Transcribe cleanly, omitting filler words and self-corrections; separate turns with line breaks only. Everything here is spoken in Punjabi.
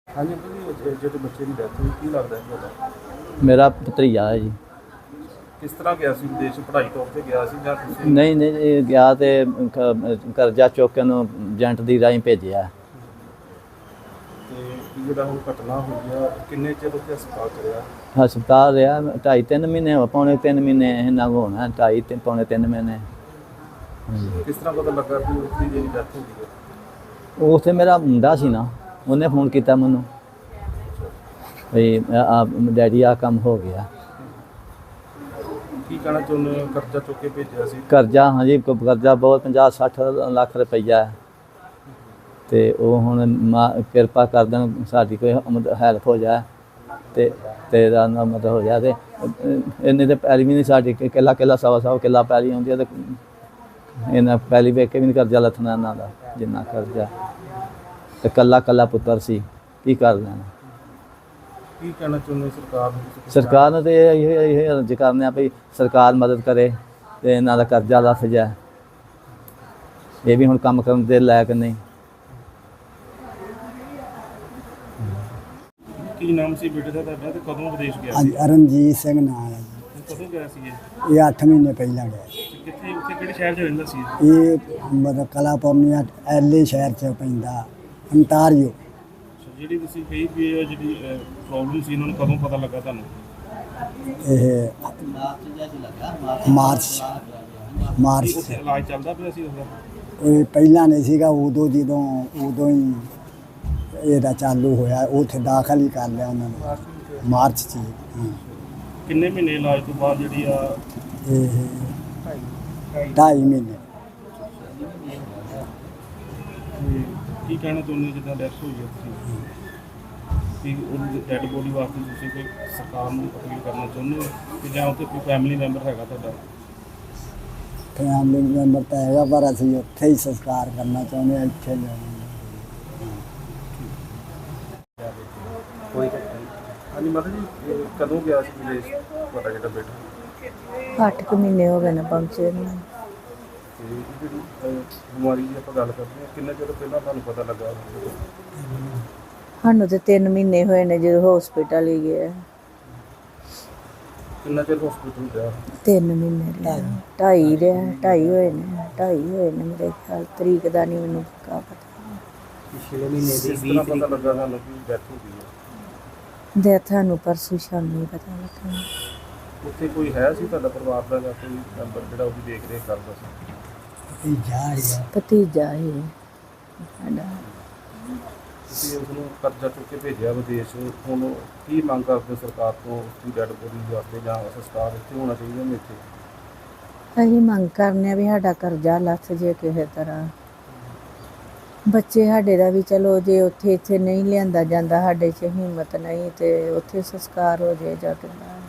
ਹਾਂਜੀ ਅੰਕਲ ਜੀ, ਜਿਹੜੇ ਬੱਚੇ ਦੀ ਡੈਥ ਹੋਈ, ਕੀ ਲੱਗਦਾ ਹੈ ਤੁਹਾਡਾ?
ਮੇਰਾ ਭਤਰੀਆ ਹੈ ਜੀ।
ਕਿਸ ਤਰ੍ਹਾਂ ਗਿਆ ਸੀ ਵਿਦੇਸ਼, ਪੜ੍ਹਾਈ ਤੌਰ ਤੇ ਗਿਆ ਸੀ ਜਾਂ ਤੁਸੀਂ?
ਨਹੀਂ ਨਹੀਂ ਇਹ ਗਿਆ ਤੇ ਕਰਜ਼ਾ ਚੁੱਕ ਕੇ ਉਹਨੂੰ ਏਜੰਟ ਦੀ ਰਾਹੀਂ ਭੇਜਿਆ।
ਤੇ ਜਿਹੜਾ ਹੁਣ ਘਟਨਾ ਹੋਈ ਆ, ਕਿੰਨੇ ਚਿਰ ਉੱਥੇ ਹਸਪਤਾਲ ਚ ਰਿਹਾ?
ਹਸਪਤਾਲ ਰਿਹਾ 2.5-3 ਮਹੀਨੇ, ਪੌਣੇ 3 ਮਹੀਨੇ ਇਹਨਾਂ ਕੋਲ ਹੋਣਾ, 2.5 ਪੌਣੇ 3 ਮਹੀਨੇ।
ਕਿਸ ਤਰ੍ਹਾਂ ਪਤਾ ਲੱਗਾ ਕਿ ਉਸਦੀ ਜਿਹੜੀ ਡੈਥ ਹੋ ਗਈ ਹੈ?
ਉੱਥੇ ਮੇਰਾ ਮੁੰਡਾ ਸੀ ਨਾ, ਉਹਨੇ ਫੋਨ ਕੀਤਾ ਮੈਨੂੰ ਵੀ ਡੈਡੀ ਆ ਕੰਮ ਹੋ ਗਿਆ।
ਕੀ ਕਹਿਣਾ ਚਾਹੁੰਦੇ ਹੋ? ਕਰਜ਼ਾ ਚੁੱਕ ਕੇ ਭੇਜਿਆ ਸੀ?
ਕਰਜ਼ਾ, ਹਾਂਜੀ ਕਰਜ਼ਾ ਬਹੁਤ 50-60 ਲੱਖ ਰੁਪਈਆ ਹੈ। ਤੇ ਉਹ ਹੁਣ ਕਿਰਪਾ ਕਰ ਦੇਣ, ਸਾਡੀ ਕੋਈ ਹੈਲਪ ਹੋ ਜਾਏ ਤੇ ਤੇਰਾ ਨਾ ਮਤਲਬ ਹੋ ਜਾਏ। ਤੇ ਇੰਨੇ ਤੇ ਪੈਲੀ ਵੀ ਨਹੀਂ ਸਾਡੀ, ਕਿੱਲਾ ਸਵਾ ਕਿੱਲਾ ਪੈਲੀ ਆਉਂਦੀ ਹੈ ਤੇ ਇਹਨਾਂ ਪੈਲੀ ਵੇਖ ਕੇ ਵੀ ਨਹੀਂ ਕਰਜ਼ਾ ਲੱਥਣਾ ਇਹਨਾਂ ਦਾ, ਜਿੰਨਾ ਕਰਜ਼ਾ। ਤੇ ਕੱਲਾ ਪੁੱਤਰ ਸੀ, ਕੀ ਕਰ ਲੈਣਾ।
ਕੀ ਕਹਿਣਾ ਚਾਹੁੰਦੇ ਸਰਕਾਰ ਨੂੰ?
ਸਰਕਾਰ ਨੂੰ ਤੇ ਇਹ ਅਰਜ਼ ਕਰਨੇ ਆ ਵੀ ਸਰਕਾਰ ਮਦਦ ਕਰੇ ਤੇ ਇਹਨਾਂ ਦਾ ਕਰਜ਼ਾ ਲੱਥ ਜਾਏ। ਇਹ ਵੀ ਹੁਣ ਕੰਮ ਕਰਨ ਦੇ ਲਾਇਕ ਨਹੀਂ।
ਕੀ ਨਾਮ ਸੀ ਬੇਟੇ ਦਾ ਤੁਹਾਡਾ ਤੇ ਕਦੋਂ ਵਿਦੇਸ਼ ਗਿਆ ਸੀ?
ਹਾਂਜੀ, ਅਰਨਜੀਤ ਸਿੰਘ ਨਾਂ ਹੈ ਜੀ।
ਕਦੋਂ ਗਿਆ ਸੀ
ਇਹ 8 ਮਹੀਨੇ ਪਹਿਲਾਂ ਗਿਆ।
ਕਿੱਥੇ, ਉੱਥੇ ਕਿਹੜੇ ਸ਼ਹਿਰ 'ਚ ਰਹਿੰਦਾ ਸੀ?
ਇਹ ਮਤਲਬ ਕਲਾਪੌਰਨੀਆ ਐਲੇ ਸ਼ਹਿਰ 'ਚ ਪੈਂਦਾ, ਅੰਟਾਰੀਓ।
ਜਿਹੜੀ ਤੁਸੀਂ ਕਹੀ ਵੀ ਇਹ ਜਿਹੜੀ ਪ੍ਰੋਬਲਮ ਸੀ, ਇਹਨਾਂ ਨੂੰ ਕਦੋਂ ਪਤਾ ਲੱਗਾ ਤੁਹਾਨੂੰ?
ਇਹ ਮਾਰਚ
ਉੱਥੇ ਇਲਾਜ ਚੱਲਦਾ ਪਿਆ ਸੀ ਉਹਦਾ?
ਇਹ ਪਹਿਲਾਂ ਨਹੀਂ ਸੀਗਾ, ਉਦੋਂ ਹੀ ਇਹਦਾ ਚਾਲੂ ਹੋਇਆ। ਉੱਥੇ ਦਾਖਲ ਹੀ ਕਰ ਲਿਆ ਉਹਨਾਂ ਨੇ ਮਾਰਚ 'ਚ।
ਕਿੰਨੇ ਮਹੀਨੇ ਇਲਾਜ ਤੋਂ ਬਾਅਦ ਜਿਹੜੀ ਆ?
ਇਹ 2.5 ਮਹੀਨੇ।
ਕੀ ਕਹਿਣਾ ਚਾਹੁੰਦੇ ਜਿੱਦਾਂ ਡੈਥ ਹੋਈ ਹੈ ਤੁਸੀਂ, ਕਿ ਉਹਦੀ ਡੈਡ ਬੋਡੀ ਵਾਸਤੇ ਤੁਸੀਂ ਕੋਈ ਸਰਕਾਰ ਨੂੰ ਅਪੀਲ ਕਰਨਾ ਚਾਹੁੰਦੇ ਹੋ ਕਿ ਜਾਂ ਉੱਥੇ ਕੋਈ ਫੈਮਿਲੀ ਮੈਂਬਰ ਹੈਗਾ ਤੁਹਾਡਾ?
ਫੈਮਿਲੀ ਮੈਂਬਰ ਤਾਂ ਹੈਗਾ, ਪਰ ਅਸੀਂ ਉੱਥੇ ਹੀ ਸੰਸਕਾਰ ਕਰਨਾ ਚਾਹੁੰਦੇ ਹਾਂ, ਇੱਥੇ ਲਿਆਉਣਾ।
ਹਾਂਜੀ ਮਾਤਾ ਜੀ, ਕਦੋਂ ਗਿਆ ਸੀ ਵਿਦੇਸ਼ ਤੁਹਾਡਾ ਜਿਹੜਾ ਬੇਟਾ?
8 ਮਹੀਨੇ ਹੋ ਗਏ ਨੇ ਪਹੁੰਚੇ ਨੂੰ।
ਤੇ ਜਿਹੜੀ ਬਿਮਾਰੀ ਦੀ ਆਪਾਂ ਗੱਲ ਕਰਦੇ ਹਾਂ, ਕਿੰਨੇ ਚਿਰ ਪਹਿਲਾਂ ਤੁਹਾਨੂੰ ਪਤਾ ਲੱਗਾ?
ਸਾਨੂੰ ਤੇ 3 ਮਹੀਨੇ ਹੋਏ ਨੇ ਜਦੋਂ ਹਸਪੀਟਲ ਹੀ ਗਏ।
ਕਿੰਨਾ ਚਿਰ ਹਸਪੀਟਲ ਰਿਹਾ?
3 ਮਹੀਨੇ ਰਿਹਾ, 2.5 ਰਿਹਾ, 2.5 ਹੋਏ ਨੇ ਮੇਰੇ ਖਿਆਲ। ਤਰੀਕ ਦਾ ਨਹੀਂ ਮੈਨੂੰ ਪੱਕਾ ਪਤਾ।
ਪਿਛਲੇ ਮਹੀਨੇ ਦੀ 20 ਤਰੀਕ ਪਤਾ ਲੱਗਾ ਤੁਹਾਨੂੰ ਕਿ ਡੈਥ ਹੋ ਗਈ ਹੈ?
ਡੈਥ ਸਾਨੂੰ ਪਰਸੋਂ ਸ਼ਾਮੀ ਪਤਾ ਲੱਗਾ।
ਉੱਥੇ ਕੋਈ ਹੈ ਸੀ ਤੁਹਾਡਾ ਪਰਿਵਾਰ ਦਾ ਜਾਂ ਕੋਈ ਮੈਂਬਰ ਜਿਹੜਾ ਉਹਦੀ ਦੇਖ ਰੇਖ ਕਰਦਾ ਸੀ?
ਭਤੀਜਾ ਹੀ ਸਾਡਾ।
ਤੁਸੀਂ ਉਸਨੂੰ ਕਰਜ਼ਾ ਚੁੱਕ ਕੇ ਭੇਜਿਆ ਵਿਦੇਸ਼, ਹੁਣ ਕੀ ਮੰਗ ਕਰਦੇ ਸਰਕਾਰ ਤੋਂ? ਉਸਦੀ ਡੈਡ ਬੋਡੀ ਵਾਸਤੇ ਜਾਂ ਸੰਸਕਾਰ ਇੱਥੇ ਹੋਣਾ ਚਾਹੀਦਾ ਨੇ? ਇੱਥੇ
ਅਸੀਂ ਮੰਗ ਕਰਨੇ ਆ ਵੀ ਸਾਡਾ ਕਰਜ਼ਾ ਲੱਥ ਜੇ ਕਿਸੇ ਤਰ੍ਹਾਂ। ਬੱਚੇ ਸਾਡੇ ਦਾ ਵੀ ਚਲੋ, ਜੇ ਉੱਥੇ ਇੱਥੇ ਨਹੀਂ ਲਿਆਂਦਾ ਜਾਂਦਾ, ਸਾਡੇ 'ਚ ਹਿੰਮਤ ਨਹੀਂ ਤੇ ਉੱਥੇ ਸੰਸਕਾਰ ਹੋ ਜਾਏ ਜਾਂ ਕਿੱਦਾਂ।